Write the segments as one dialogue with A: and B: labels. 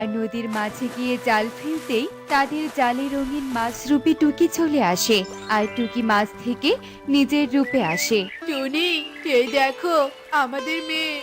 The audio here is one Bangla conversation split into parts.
A: আর নদীর মাঝে গিয়ে জাল ফেলতেই তাদের জালে রঙিন মাছরূপী টুকি চলে আসে। আর টুকি মাছ থেকে নিজের রূপে আসে।
B: টুনি, এই দেখো আমাদের মেয়ে।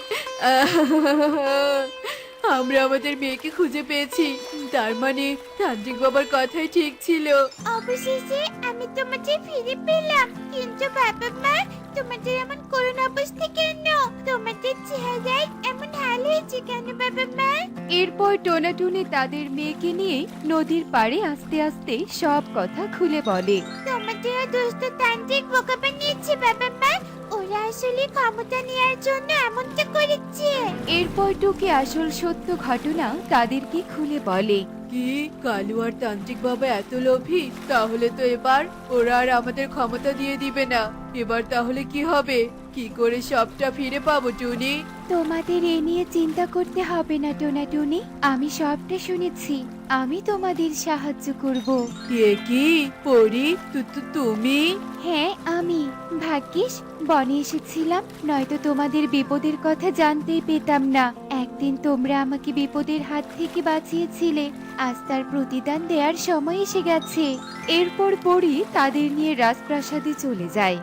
B: আমরা আমাদের মেয়েকে খুঁজে পেয়েছি। তার মানে তান্ত্রিক বাবার কথাই ঠিক ছিল।
C: অবশেষে আমি তোমাদের ফিরে পেলাম। কিন্তু বাবা মা, তোমাদের এমন করুণ অবস্থা কেন? তোমাদের চেহারায় এমন হাল হয়েছে কেন বাবা মা?
A: এরপর টোনাটুনি তাদের মেয়েকে নিয়ে নদীর পাড়ে আস্তে আস্তে সব কথা খুলে বলে।
C: তোমাদের দুষ্ট তান্ত্রিক বোকা বানিয়েছে বাবা মা। ওরা আসলে ক্ষমতা নেওয়ার জন্য এমনটা করেছে।
A: এরপর টুকি আসল সত্য ঘটনা তাদেরকে খুলে বলে।
B: কি, কালু আর তান্ত্রিক বাবা এত লোভী? তাহলে তো এবার ওরা আর আমাদের ক্ষমতা দিয়ে দিবে না। এবার তাহলে কি হবে? কি করে সবটা ফিরে পাবো টুনি?
A: তোমাদের এ নিয়ে চিন্তা করতে হবে না টোনাটুনি, আমি সবটা শুনেছি। আমি তোমাদের সাহায্য করব।
B: এ কি পরি, তুমি?
A: হ্যাঁ আমি। ভাগ্যিস বনে এসেছিলাম, নয়তো তোমাদের বিপদের কথা জানতেই পেতাম না। একদিন তোমরা আমাকে বিপদের হাত থেকে বাঁচিয়েছিলে, আজ তার প্রতিদান দেওয়ার সময় এসে গেছে। এরপর পরি তাদের নিয়ে রাজপ্রাসাদে চলে যায়।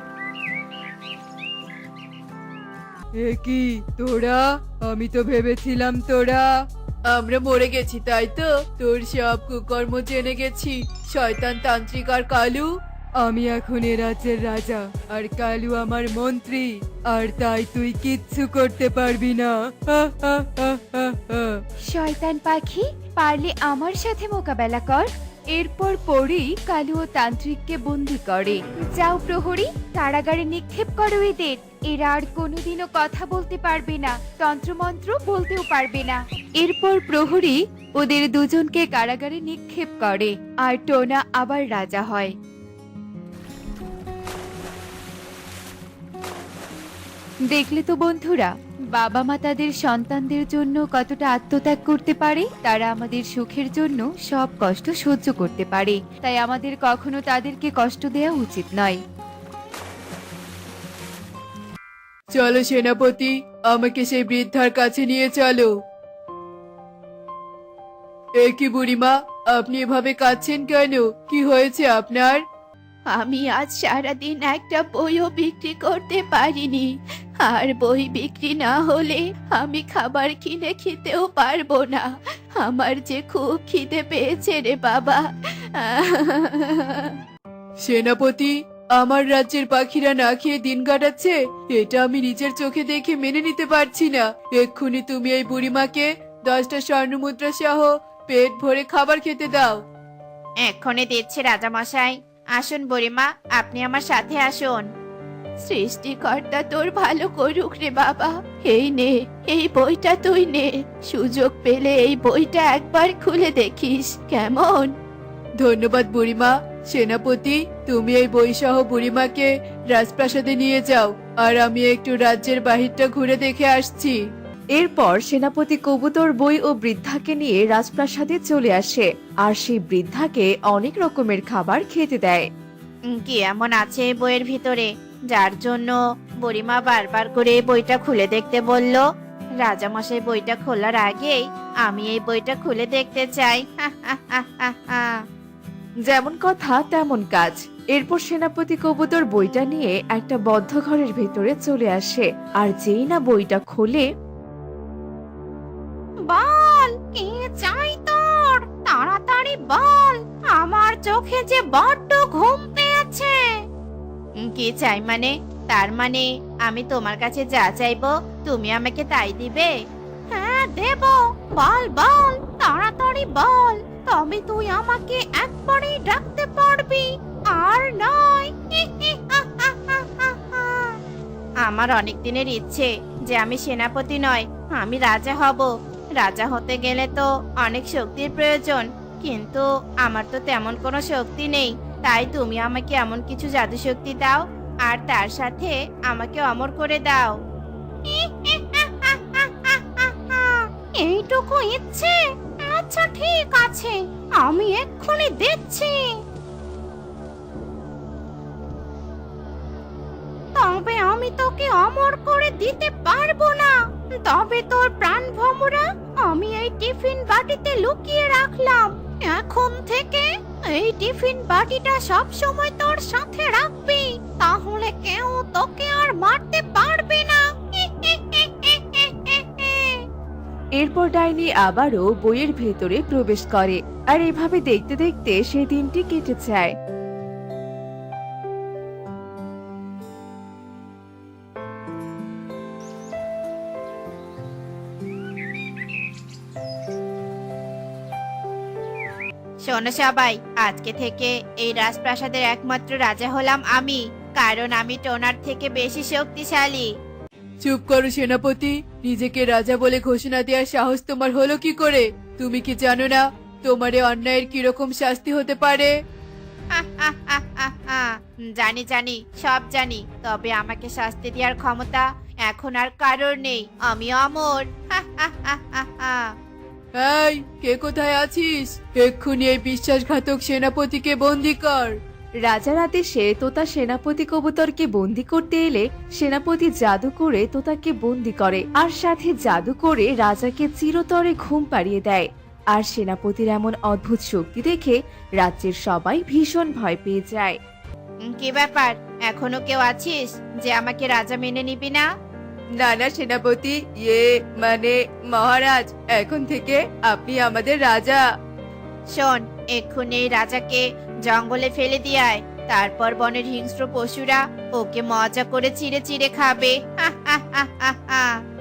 B: এ কি তোরা? আমি তো ভেবেছিলাম তোরা আমরা মরে গেছি, তাই তো? তোর সব কুকর্ম জেনে গেছি, শয়তান তান্ত্রিক আর কালু। আমি এখন এ রাজ্যের রাজা, আর কালু আমার মন্ত্রী। আর তাই তুই কিচ্ছু করতে পারবি না। হা, হা, হা, হা, হা।
A: শয়তান পাখি, পারলে আমার সাথে মোকাবেলা কর। এরপর পরি কালু ও তান্ত্রিককে বন্দি করে। যাও প্রহরী, কারাগারে নিক্ষেপ করো এদের। এরা আর কোনোদিনও কথা বলতে পারবে না, তন্ত্রমন্ত্র বলতেও পারবে না। এরপর প্রহরী ওদের দুজনকে কারাগারে নিক্ষেপ করে, আর টোনা আবার রাজা হয়। দেখলে তো বন্ধুরা, বাবা মা তাদের সন্তানদের জন্য কতটা আত্মত্যাগ করতে পারে। তারা আমাদের সুখের জন্য সব কষ্ট সহ্য করতে পারে, তাই আমাদের কখনো তাদেরকে কষ্ট দেওয়া উচিত নয়।
B: চলো সেনাপতি, আমাকে সেই বৃদ্ধার কাছে নিয়ে চলো। এ কি বুড়িমা, আপনি এভাবে কাঁদছেন কেন? কি হয়েছে আপনার?
C: আমি আজ সারাদিন একটা বইও বিক্রি করতে পারিনি। আর বই বিক্রি না হলে আমি খাবার কিনে খেতেও পারবো না। আমার যে খুব খিদে পেয়েছে রে বাবা।
B: সেনাপতি, আমার রাজ্যের পাখিরা না খেয়ে দিন কাটাচ্ছে, এটা আমি নিজের চোখে দেখে মেনে নিতে পারছি না। এক্ষুনি তুমি এই বুড়িমাকে 10টা স্বর্ণমুদ্রা সহ পেট ভরে খাবার খেতে দাও।
C: এক্ষণে দিচ্ছে রাজামশাই। আসুন বুড়িমা, আপনি আমার সাথে আসুন। সৃষ্টিকর্তা তোর ভালো করুক রে বাবা। এই নে, এই বইটা তুই নে। সুযোগ পেলে এই বইটা একবার খুলে দেখিস, কেমন?
B: ধন্যবাদ বুড়িমা। সেনাপতি, তুমি এই বই সহ বুড়িমাকে রাজপ্রাসাদে নিয়ে যাও, আর আমি একটু রাজ্যের বাহিরটা ঘুরে দেখে আসছি।
D: এরপর সেনাপতি কবুতর বই ও বৃদ্ধাকে নিয়ে রাজপ্রাসাদে চলে আসে, আর সেই বৃদ্ধাকে অনেক রকমের খাবার খেতে দেয়।
C: কি এমন আছে এই বইয়ের ভিতরে যার জন্য বুড়িমা বারবার করে এই বইটা খুলে দেখতে বলল? রাজামশাই বইটা খোলার আগেই আমি এই বইটা খুলে দেখতে চাই।
D: যেমন কথা তেমন কাজ। এরপর সেনাপতি কবুতর বইটা নিয়ে একটা বদ্ধ ঘরের ভেতরে চলে আসে, আর যেই না বইটা খোলে,
C: বল, কি চাই তোর? তাড়াতাড়ি বল, আমার চোখে যে বড্ড ঘুম পেয়েছে। কি চাই মানে? তার মানে আমি তোমার কাছে যা চাইবো তুমি আমাকে তাই দিবে? হ্যাঁ দেব। বল বল, তাড়াতাড়ি বল, তবে তুই আমাকে একবারেই ডাকতে পারবি, আর নয়। আমার অনেক দিনের ইচ্ছে যে আমি সেনাপতি নয়, আমি রাজা হব। রাজা হতে গেলে তো অনেক শক্তির প্রয়োজন, কিন্তু আমার তো তেমন কোনো শক্তি নেই। তাই তুমি আমাকে এমন কিছু জাদু শক্তি দাও, আর তার সাথে আমাকে অমর করে দাও। এইটুকু ইচ্ছে? আচ্ছা ঠিক আছে, আমি এক্ষুনি দিচ্ছি। তবে আমি তোকে অমর করে দিতে পারবো না। তবে তোর প্রাণ ভমরা, আমি এই টিফিন বাটিতে লুকিয়ে রাখলাম। এখন থেকে এই টিফিন বাটিটা সব সময় তোর সাথে রাখবি, তাহলে কেউ তোকে আর মারতে পারবে না।
D: এরপর ডাইনি আবারও বইয়ের ভেতরে প্রবেশ করে আর এভাবে দেখতে দেখতে সেই দিনটি কেটে যায়।
C: শোনো সবাই, আজকে থেকে এই রাজপ্রাসাদের একমাত্র রাজা হলাম আমি, কারণ আমি টোনার থেকে বেশি শক্তিশালী।
B: চুপ করো সেনাপতি, নিজেকে রাজা বলে ঘোষণা দেওয়ার সাহস তোমার হলো কি করে? তুমি কি জানো না তোমার এই অন্যায়ের কিরকম শাস্তি হতে পারে?
C: জানি জানি, সব জানি, তবে আমাকে শাস্তি দেওয়ার ক্ষমতা এখন আর কারোর নেই। আমি অমর।
B: এই, কে কোথায় আছিস? এক্ষুনি এই বিশ্বাসঘাতক সেনাপতিকে বন্দি কর।
D: রাজার আদেশে তোতা সেনাপতি কবুতরকে বন্দি করতে এলে সেনাপতি জাদু করে তোতাকে বন্দি করে আর সাথে জাদু করে রাজাকে চিরতরে ঘুম পাড়িয়ে দেয়। আর সেনাপতির এমন অদ্ভুত শক্তি দেখে রাজ্যের সবাই ভীষণ ভয় পেয়ে যায়।
C: কি ব্যাপার, এখনো কেউ আছিস যে আমাকে রাজা মেনে নিবি না?
B: নানা সেনাপতি, মানে মহারাজ, এখন থেকে আপনি আমাদের রাজা।
C: শোন, এক্ষুনি এই রাজাকে জঙ্গলে ফেলে দিয়ে আয়, তারপর বনের হিংস্র পশুরা ওকে মজা করে চিড়ে চিড়ে খাবে।